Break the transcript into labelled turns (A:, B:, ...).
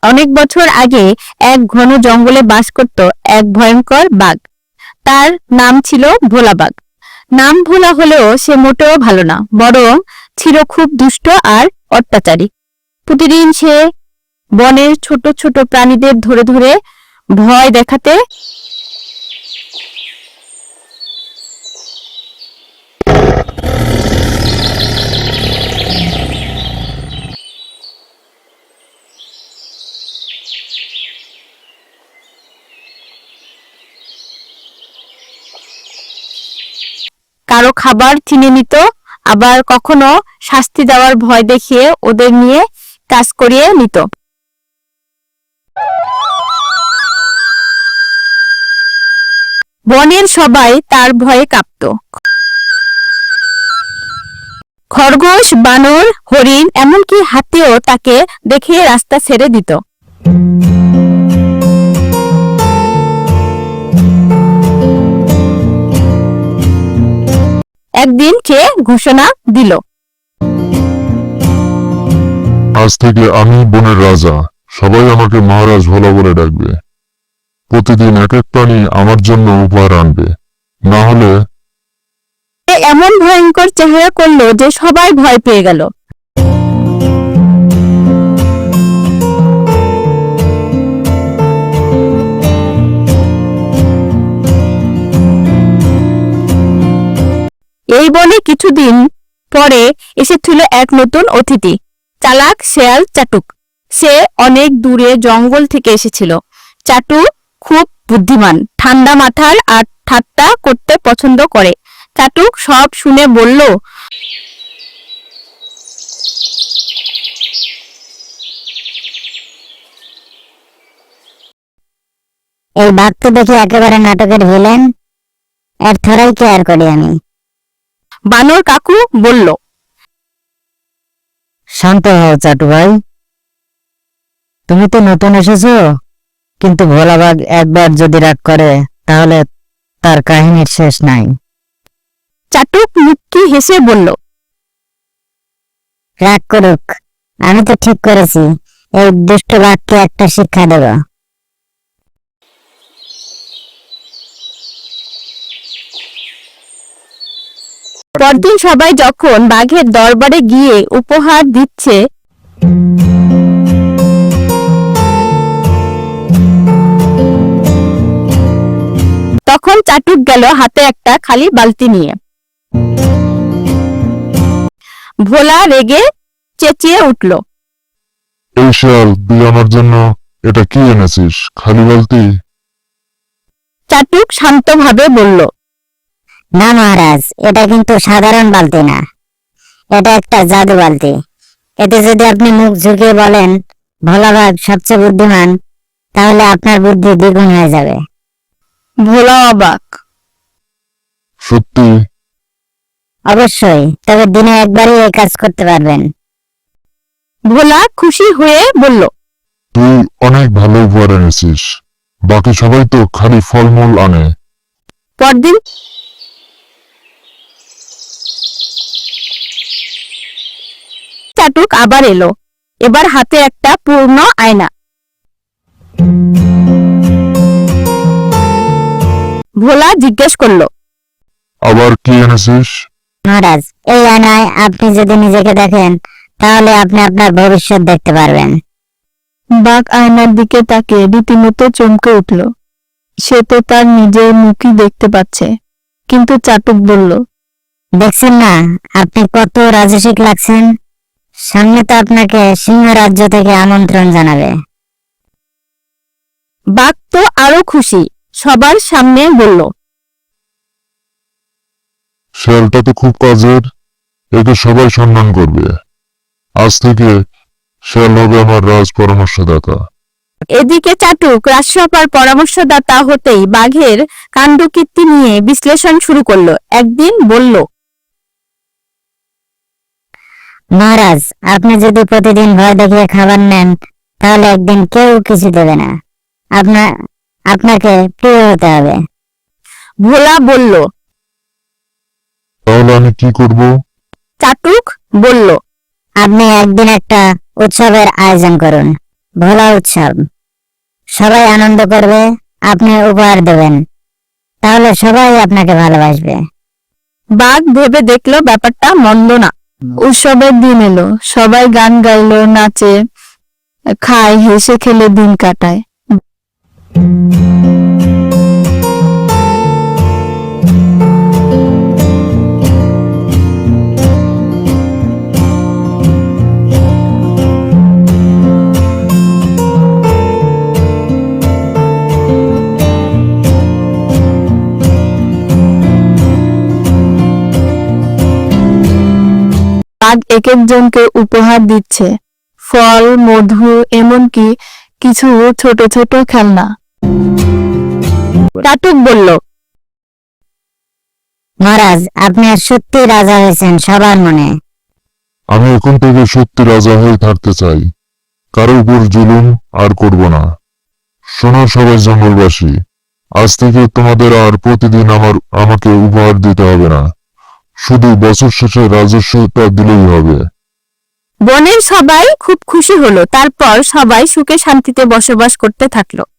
A: অনেক বছর আগে এক ঘন জঙ্গলে বাস করত এক ভয়ঙ্কর বাঘ। তার নাম ছিল ভোলা বাঘ। নাম ভোলা হলেও সে মোটেও ভালো না, বরং ছিল খুব দুষ্ট আর অত্যাচারী। প্রতিদিন সে বনের ছোট ছোট প্রাণীদের ধরে ধরে ভয় দেখাতে কারো খাবার ছিনিয়ে নিত, আবার কখনো শাস্তি দেওয়ার ভয় দেখিয়ে ওদের নিয়ে কাজ করিয়ে নিত। বনের সবাই তার ভয়ে কাঁপত। খরগোশ, বানর, হরিণ, এমনকি হাতিও তাকে দেখে রাস্তা ছেড়ে দিত। একদিন সে ঘোষণা দিল,
B: আজ থেকে আমি বনের রাজা, সবাই আমাকে মহারাজ ভোলা বলে ডাকবে। প্রতিদিন এক এক প্রাণী আমার জন্য উপহার আনবে, না হলে
A: সে এমন ভয়ঙ্কর চেহারা করলো যে সবাই ভয় পেয়ে গেল। এই বনে কিছুদিন পরে এসেছিল এক নতুন অতিথি, চালাক শেয়াল চাটুক। সে অনেক দূরে জঙ্গল থেকে এসেছিল। চাটুক খুব বুদ্ধিমান, ঠান্ডা মাথার আর ঠাট্টা করতে পছন্দ করে। চাটুক সব শুনে বলল,
C: এই বাঘ তো দেখে একেবারে নাটকের ভিলেন, এর থোড়াই কেয়ার করি আমি।
A: বানর কাকু বলল,
C: শান্ত হও চাটু ভাই, তুমি তো নতুন এসেছো, কিন্তু ভোলা বাঘ একবার যদি রাগ করে তাহলে তার কাহিনীর শেষ নাই।
A: চাটুক মুচকি হেসে বলল,
C: রাগ করুক, আমি তো ঠিক করেছি এই দুষ্ট বাঘকে একটা শিক্ষা দেব।
A: পরদিন সবাই যখন বাঘের দরবারে গিয়ে উপহার দিচ্ছে, তখন চাটুক গেল হাতে একটা খালি বালতি নিয়ে। ভোলা রেগে চেঁচিয়ে উঠল,
B: এই শিয়াল, তুই আমার জন্য এটা কি এনেছিস? খালি বালতি?
A: চাটুক শান্তভাবে বলল,
C: না মহারাজ, এটা কিন্তু সাধারণ বালতি না, এটা একটা জাদু বালতি। এতে যদি আপনি মুখ ঝুঁকিয়ে বলেন ভোলা বাঘ সবচেয়ে বুদ্ধিমান, তাহলে আপনার বুদ্ধি দ্বিগুণ হয়ে যাবে।
A: ভোলা অবাক।
B: সত্যি?
C: অবশ্যই, তবে দিনে একবারই এই কাজ করতে পারবেন।
A: ভোলা খুশি হয়ে বলল,
B: তুই অনেক ভালো উপহার এনেছিস, বাকি সবাই তো খালি ফলমূল আনে।
A: পরদিন চাটুক আবার এলো, এবার হাতে একটা পূর্ণ আয়না। ভোলা জিজ্ঞেস করল,
B: আবার কি এনেছিস?
C: মহারাজ, এই আয়নায় আপনি যদি নিজেকে দেখেন তাহলে আপনি আপনার ভবিষ্যৎ দেখতে পারবেন।
A: বাঘ আয়নার দিকে তাকিয়ে রীতিমতো চমকে উঠল। সে তো তার নিজের মুখই দেখতে পাচ্ছে। কিন্তু চাটুক বলল,
C: দেখছেন না আপনি কত রাজসিক লাগছেন? সামনে তো আপনাকে সিংহ রাজ্য থেকে আমন্ত্রণ জানাবে।
A: বাঘ তো আরো খুশি, সবার সামনে বলল,
B: শিয়ালটা তো খুব কাজের, একে সবাই সম্মান করবে। আজ থেকে শিয়াল হবে আমার রাজ পরামর্শদাতা।
A: এদিকে চাটুক রাজসভার পরামর্শদাতা হতেই বাঘের কাণ্ডকীর্তি নিয়ে বিশ্লেষণ শুরু করলো। একদিন বলল,
C: মহারাজ, আপনি যদি প্রতিদিন ভয় দেখিয়ে খাবার নেন তাহলে একদিন কেউ কিছু দেবে না, আপনাকে প্রিয় হতে হবে।
A: ভোলা বলল,
B: তাহলে আমি কি করব?
A: চাটুক বলল,
C: আপনি একদিন একটা উৎসবের আয়োজন করুন, ভোলা উৎসব। সবাই আনন্দ করবে, আপনি উপহার দেবেন, তাহলে সবাই আপনাকে ভালোবাসবে।
A: বাঘ ভেবে দেখলো ব্যাপারটা মন্দ না। উৎসবের দিন এলো, সবাই গান গাইলো, নাচে, খায়, হেসে খেলে দিন কাটায়। বাঘ এক একজনকে উপহার দিচ্ছে, ফল, মধু, এমনকি কিছু ছোট ছোট খেলনা। কাটুক বলল,
C: মহারাজ, আপনি আর সত্যি রাজা হয়েছেন সবার মনে।
B: আমি এখন থেকে সত্যি রাজা হয়ে থাকতে চাই, কারো উপর জুলুম আর করব না। শোনো সবাই জঙ্গলবাসী, আজ থেকে তোমাদের আর প্রতিদিন আমাকে উপহার দিতে হবে না, শুধু বছর শেষে রাজস্বটা দিলেই হবে।
A: বনের সবাই খুব খুশি হলো। তারপর সবাই সুখে শান্তিতে বসবাস করতে থাকলো।